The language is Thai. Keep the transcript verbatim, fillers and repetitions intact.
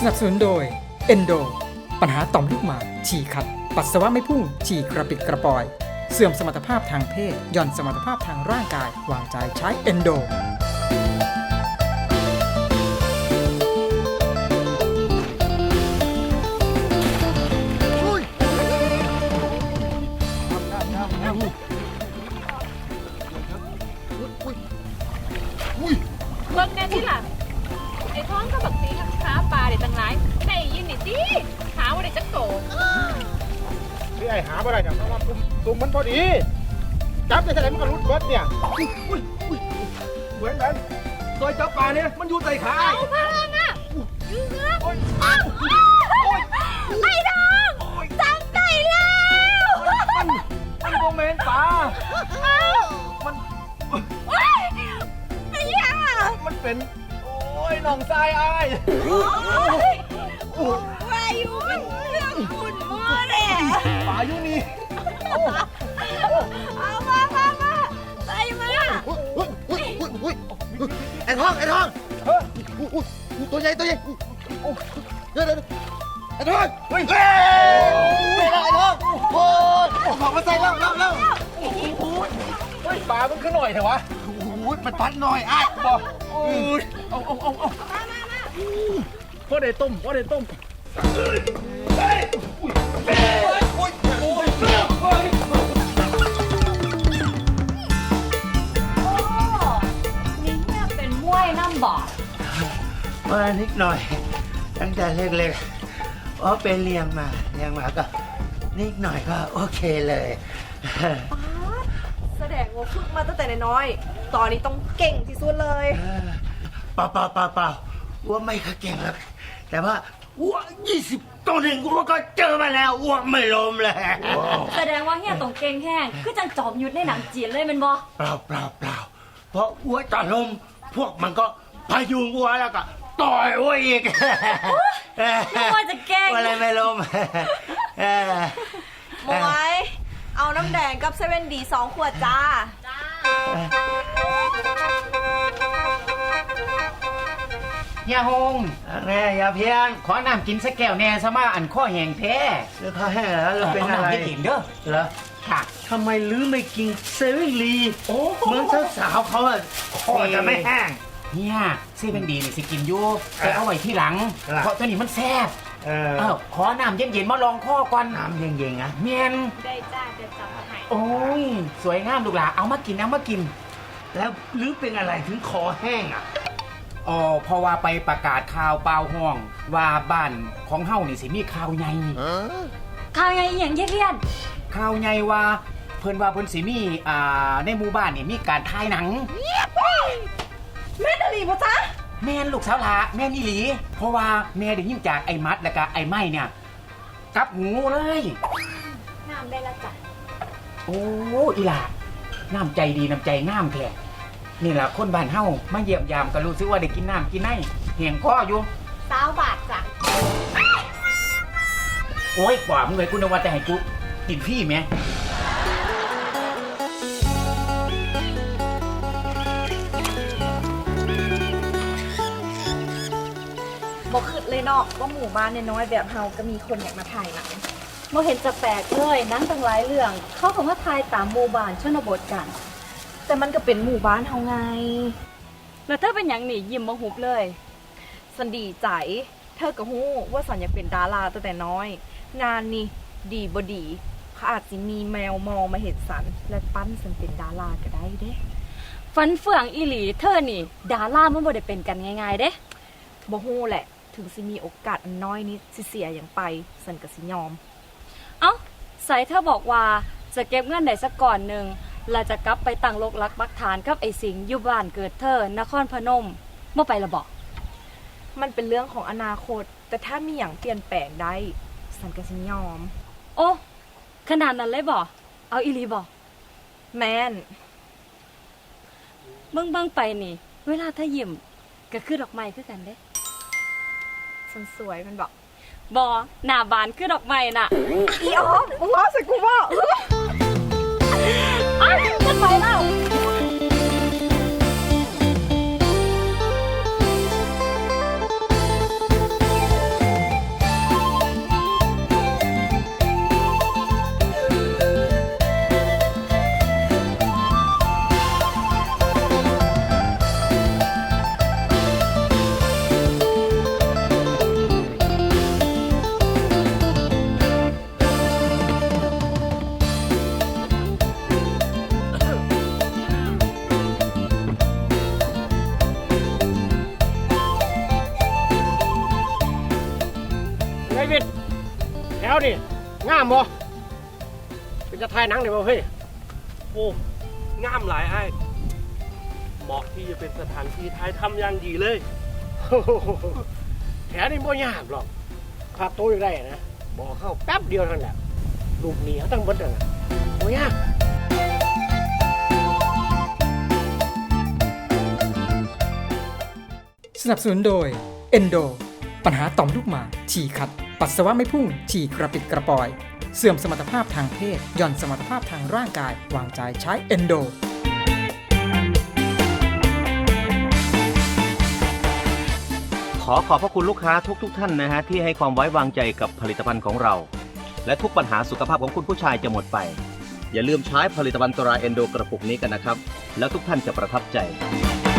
สนับสนุนโดย Endo ปัญหาต่อมลูกหมากฉี่ขัดปัสสาวะไม่พุ่งฉี่กระปิดกระปอยเสื่อมสมรรถภาพทางเพศหย่อนสมรรถภาพทางร่างกายวางใจใช้ Endo เบิ่งแน่ที่หลังไอ้ท้องก็บักสีขาปลาเด็ดตั้งหลายได้ยินนี่ดิขาว่าได้จักโตที่ไอ้หาอะไรเนี่ยเพราะว่าตุ่มตุ่มมันพอดีจับได้เท่าไหร่มันก็รุดเบิดเนี่ยอุ้ยอุ้ยอุ้ยเหมือนกันซอยจับปลาเนี่ยมันอยู่ใต้ขาเอาพังอ่ะยืนนะไอ้ทองจับได้แล้วมันมันโมเมนปลามันไอ้ยามันเป็นโอ้ยน้องทรายอ้ายวายุเรื่องขุ่นมัวเลยปลาอยู่นี่เอามามามาใส่มาไอ้ทองไอ้ทองเฮ้ยตัวใหญ่ตัวใหญ่เดี๋ยวเดี๋ยวไอ้ทองเฮ้ยเฮ้ยไอ้ทองโอ้ยบอกมาใส่แล้วแล้วแล้วเฮ้ยปลามันขึ้นหน่อยเถอะวะโอ้ยมันปัดหน่อยไอ้บอกโอ้ยเอาเอาเอาเอาพ่อได้ต้มพ่อได้ต้มนี่เนี่ยเป็นมวยน้ำบ่อมานิดหน่อยตั้งแต่เล็กๆเพราะเป็นเลี้ยงมาเลี้ยงมาก็นิดหน่อยก็โอเคเลยแสดงว่าฝึกมาตั้งแต่น้อยๆตอนนี้ต้องเก่งที่สุดเลยเปล่าเปล่าเปล่าเปล่าอ้วไม่ค่อยเก่งหรอกแต่ว่าอ้วยี่สิบตัวหนึ่งอ้วก็เจอมาแล้วอ้วไม่ล้มเลยแสดงว่าเฮียตรงเก่งแห้งคือจังจอมยุทธในหนังจีนเลยแมันบ่เปล่าเปล่าเปล่าเพราะอ้วจะล้มพวกมันก็พยุงอ้วแล้วก็ต่อยอ้วอีกนึกว่าจะเก่งว่าอะไรไม่ล้มหมวยเอาน้ำแดงกับเซเว่นดีสองขวดจ้าเฮียฮงแม่อย่าเพี้ยนขอน้ำกินสักแก้วแน่ซะมาอันข้อแห้งแท้เสื้อผ้าแห้งแล้วเราเป็นอะไราำให้กินเด้อเหรอค่ะทำไมลื้อไม่กินเซเว่นลีโอ้เหมือนสาวๆเขาอะคอจะไม่แห้งเฮียเซเว่นดีนี่สิกินอยู่แต่เอาไว้ที่หลังล่ะเพราะตัวนี้มันแซ่บเออเออขอน้ำเย็นๆมาลองข้อก่อนน้ำเย็นๆนะเมียนได้จ้าเดี๋ยวจับมาให้โอ้ยสวยงามลูกหลาเอามากินเอามากินแล้วลื้อเป็นอะไรถึงคอแห้งอ่ะอ๋อเพราะว่าไปประกาศข่าวเปล่าห้อง ว่าบ้านของเฮานี่สิมีข่าวใหญ่ข่าวไงอหย่างเยียดข่าวใหญ่ว่าเพิ่นว่าเพิ่นสิมีอ่าในหมู่บ้านนี่มีการถ่ายหนังแม่ดาลีปะจ๊ะแม่นลูกสาวหลาแม่นอีหลี เพราะว่าแม่ได้ยินจากไอ้มัดแล้วก็ไอ้ไม้เนี่ยกลับหูเลยน้ำได้ละจ้ะโอ้อีหลาน้ำใจดีน้ำใจงามแท้นี่แหละคนบ้านเฮามาเยี่ยมยามก็รู้สึกว่าได้กินน้ำกินไนเหี่ยงคออยู่สาวบาทจ้ะโอ้ยกว่ามึงเลยกูนึกว่าจะให้กูกินพี่ไหมบอกขึ้นเลยเนาะว่าหมู่บ้านน้อยๆแบบเฮาก็มีคนอยากมาถ่ายหนังๆบ่เห็นจะแปลกเลยหนังตั้งหลายเรื่อง เขาก็มาถ่ายตามหมู่บ้านชนบทกันแต่มันก็เป็นหมู่บ้านเฮาไงแล้วเธอเป็นหยังนี่ยิ้มบ่หุบเลยสันดีใจ เธอก็ฮู้ว่าสันอยากเป็นดาราตั้งแต่น้อย งานนี่ดีบ่ดีเขาอาจสิมีแมวมองมาเห็นสัน และปั้นสันเป็นดาราก็ได้เด้ฟันเฟืองอีหลีเธอนี่ ดารามันบ่ได้เป็นกันง่ายๆเด้บ่ฮู้แหละ ถึงสิมีโอกาสอันน้อยนิดสิเสียอย่างไป สันก็สิยอมเอ้าใส่เธอบอกว่าจะเก็บเงินได้สักก่อนหนึ่งแล้วจะกลับไปตั้งโลกลักปักฐานกับไอ้สิงห์อยู่บ้านเกิดเธอนครพนมเมื่อไปละบอกมันเป็นเรื่องของอนาคต แต่ถ้ามีอย่างเปลี่ยนแปลงได้ สันก็สิยอมโอ้ขนาดนั้นเลยบอกเอาอีหลีบอกแมนเบิ่งเบิ่งไปนี่ เวลาถ้ายิ้มก็คือดอกไม้คือกันเด้สันสวยมันบอกบอหน้าบานคือดอกไม้น่ะอีออฟมึงว่าใส่กูว่าอ้าวจะไปแล้วามบ่เป็นจะถ่ายหนังได้บ่เฮ้ยโอ้งามหลายไอ้เหมาะที่จะเป็นสถานที่ถ่ายทำอย่างดีเลยแถวนี้บ่ยากหรอกค่าโต๊ะอยู่ได้นะบอกเข้าแป๊บเดียวเท่านั้นแหละลูกหนีเขาตั้งเบิดนั่นน่ะบ่ยากสนับสนุนโดย Endo ปัญหาต่อมลูกหมากฉี่ขัด ปัสสาวะไม่พุ่ง ฉี่กระปิดกระปอย เสื่อมสมรรถภาพทางเพศหย่อนสมรรถภาพทางร่างกายวางใจใช้ Endo ขอขอบพระคุณลูกค้าทุกๆทท่านนะฮะที่ให้ความไว้วางใจกับผลิตภัณฑ์ของเรา และทุกปัญหาสุขภาพของคุณผู้ชายจะหมดไป อย่าลืมใช้ผลิตภัณฑ์ตราเอนโดกระปุกนี้กันนะครับ แล้วทุกท่านจะประทับใจ